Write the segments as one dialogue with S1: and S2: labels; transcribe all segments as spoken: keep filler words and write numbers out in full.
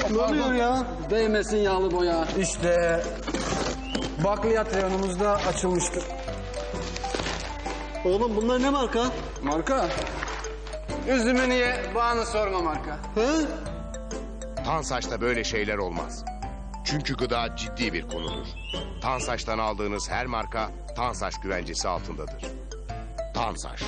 S1: Ne oluyor ya?
S2: Değmesin yağlı boya.
S1: İşte bakliyat reyonumuzda açılmıştır. Oğlum bunlar ne marka?
S2: Marka? Üzümünü ye, bağını sorma marka.
S1: He?
S3: Tansaç'ta böyle şeyler olmaz. Çünkü gıda ciddi bir konudur. Tansaç'tan aldığınız her marka Tansaç güvencesi altındadır. Tansaç.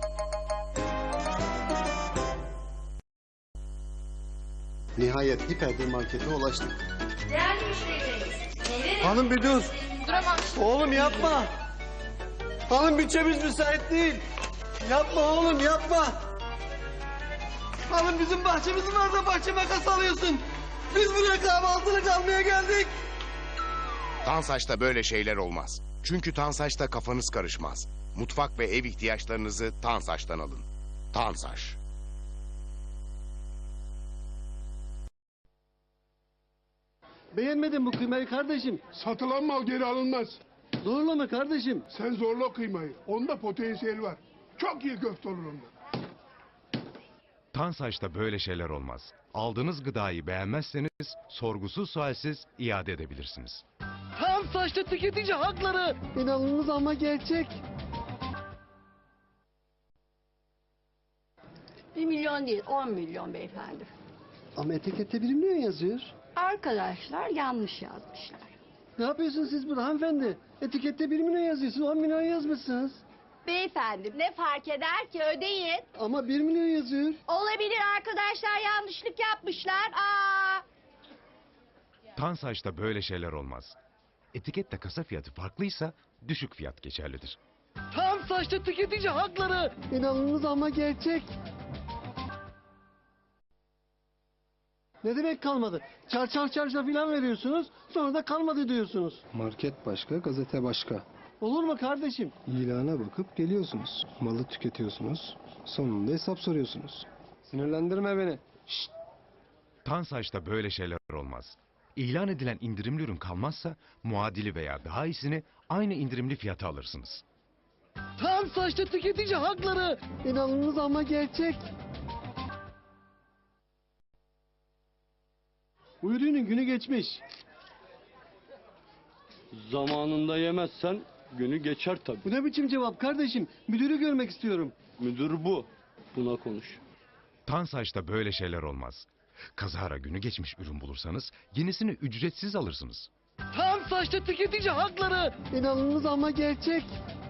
S4: Nihayet hiperdir markete ulaştık.
S5: Değerli müşterilerimiz, meyve ve
S1: Hanım bir dur.
S5: duramam.
S1: Oğlum yapma. Hanım bütçemiz müsait değil. Yapma oğlum yapma. Hanım bizim bahçemiz var da bahçe makası alıyorsun. Biz buraya kahvaltılık almaya geldik.
S3: Tansaç'ta böyle şeyler olmaz. Çünkü Tansaç'ta kafanız karışmaz. Mutfak ve ev ihtiyaçlarınızı Tansaç'tan alın. Tansaç.
S1: Beğenmedin bu kıymayı kardeşim.
S6: Satılan mal geri alınmaz.
S1: Zorlama kardeşim.
S6: Sen zorla kıymayı. Onda potansiyel var. Çok iyi köfte olur onda.
S7: Tansaç'ta böyle şeyler olmaz. Aldığınız gıdayı beğenmezseniz sorgusuz sualsiz iade edebilirsiniz.
S1: Tam saçlı tüketici hakları. İnanılmaz ama gerçek.
S8: Bir milyon değil, on milyon beyefendi.
S1: Ama etikette bir milyon yazıyor.
S8: Arkadaşlar yanlış yazmışlar.
S1: Ne yapıyorsunuz siz burada hanımefendi? Etikette bir milyon yazıyorsun, on milyon yazmışsınız.
S5: Beyefendi ne fark eder ki ödeyin.
S1: Ama bir milyon yazıyor.
S5: Olabilir arkadaşlar yanlışlık yapmışlar. Aa.
S7: Tansaç'ta böyle şeyler olmaz. Etikette kasa fiyatı farklıysa düşük fiyat geçerlidir.
S1: Tam saçlı tüketici hakları. İnanılmaz ama gerçek. Ne demek kalmadı? Çar çar çarşa filan veriyorsunuz, sonra da kalmadı diyorsunuz.
S4: Market başka, gazete başka.
S1: Olur mu kardeşim?
S4: İlana bakıp geliyorsunuz. Malı tüketiyorsunuz. Sonunda hesap soruyorsunuz. Sinirlendirme beni.
S7: Tansaç'ta böyle şeyler olmaz. İlan edilen indirimli ürün kalmazsa muadili veya daha iyisini aynı indirimli fiyata alırsınız.
S1: Tam saçlı tüketici hakları. İnanılmaz ama gerçek. Bu ürünün günü geçmiş.
S9: Zamanında yemezsen günü geçer tabii.
S1: Bu ne biçim cevap kardeşim? Müdürü görmek istiyorum.
S9: Müdür bu. Buna konuş.
S7: Tansaç'ta böyle şeyler olmaz. Kazara günü geçmiş ürün bulursanız yenisini ücretsiz alırsınız.
S1: Tam saçlı tüketici hakları. İnanılmaz ama gerçek.